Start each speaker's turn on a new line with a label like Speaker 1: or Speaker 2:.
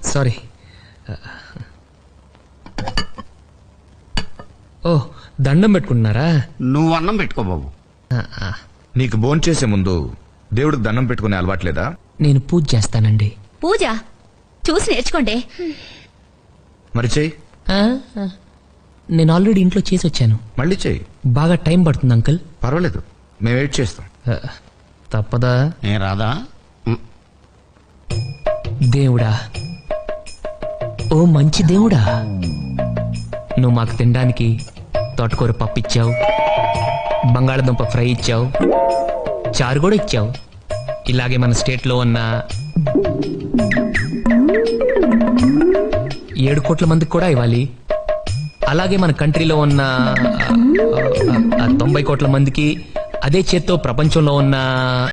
Speaker 1: Sorry. ఓ, దండం పెట్టుకుంటున్నారా?
Speaker 2: నువ్వు అన్నం పెట్టుకో బాబు.
Speaker 3: నీకు భోంచేసే ముందు దేవుడికి దండం పెట్టుకునే అలవాట్లేదా?
Speaker 1: నేను పూజ చేస్తానండి.
Speaker 4: పూజ చూసి నేర్చుకోండి.
Speaker 3: మరి చెయ్యి.
Speaker 1: నేను ఆల్రెడీ ఇంట్లో చేసి వచ్చాను.
Speaker 3: మళ్ళీ చెయ్యి.
Speaker 1: బాగా టైం పడుతుంది అంకుల్.
Speaker 3: పర్వాలేదు, మేము వెయిట్ చేస్తాం.
Speaker 1: తప్పదా?
Speaker 2: ఏ రాదా?
Speaker 1: దేవుడా, ఓ మంచి దేవుడా, నువ్వు మాకు తినడానికి తోటకూర పప్పు ఇచ్చావు, బంగాళదుంప ఫ్రై ఇచ్చావు, చారు కూడా ఇచ్చావు. ఇలాగే మన స్టేట్లో ఉన్న 7 కోట్ల మందికి కూడా ఇవ్వాలి. అలాగే మన కంట్రీలో ఉన్న 90 కోట్ల మందికి, అదే చేత్తో ప్రపంచంలో ఉన్న